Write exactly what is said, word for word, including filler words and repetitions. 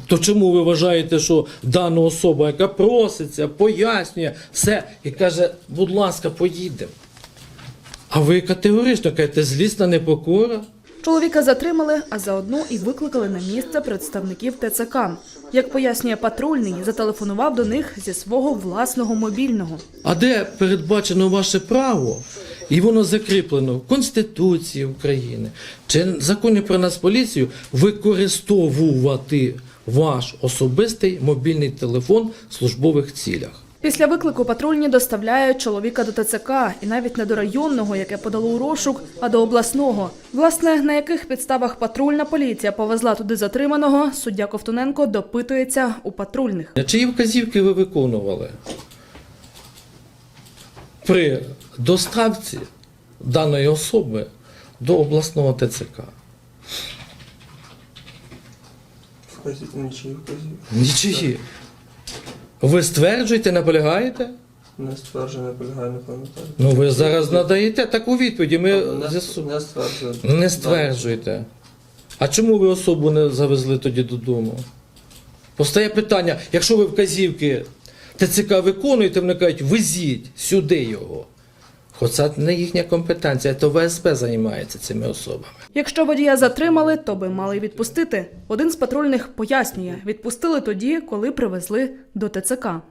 То чому ви вважаєте, що дана особа, яка проситься, пояснює все і каже, будь ласка, поїдемо? А ви категорично кажете, злісна непокора? Чоловіка затримали, а заодно і викликали на місце представників Те Це Ка. Як пояснює патрульний, зателефонував до них зі свого власного мобільного. А де передбачено ваше право, і воно закріплено в Конституції України, чи в Законі про Нацполіцію, використовувати ваш особистий мобільний телефон в службових цілях? Після виклику патрульні доставляють чоловіка до Те Це Ка, і навіть не до районного, яке подало у розшук, а до обласного. Власне, на яких підставах патрульна поліція повезла туди затриманого, суддя Ковтуненко допитується у патрульних. Чиї вказівки ви виконували при доставці даної особи до обласного Те Це Ка? Вказів... Нічиї вказів. Нічиї. Ви стверджуєте, наполягаєте? Не стверджую, не полягаю, не пам'ятаю. Ну ви зараз надаєте таку відповідь, і ми Не, з'ясу- не стверджую. не стверджуєте. А чому ви особу не завезли тоді додому? Постає питання, якщо ви вказівки Те Це Ка виконуєте, вони кажуть, везіть сюди його. Хоча це не їхня компетенція, то В С П займається цими особами. Якщо водія затримали, то би мали відпустити. Один з патрульних пояснює, відпустили тоді, коли привезли до Те Це Ка.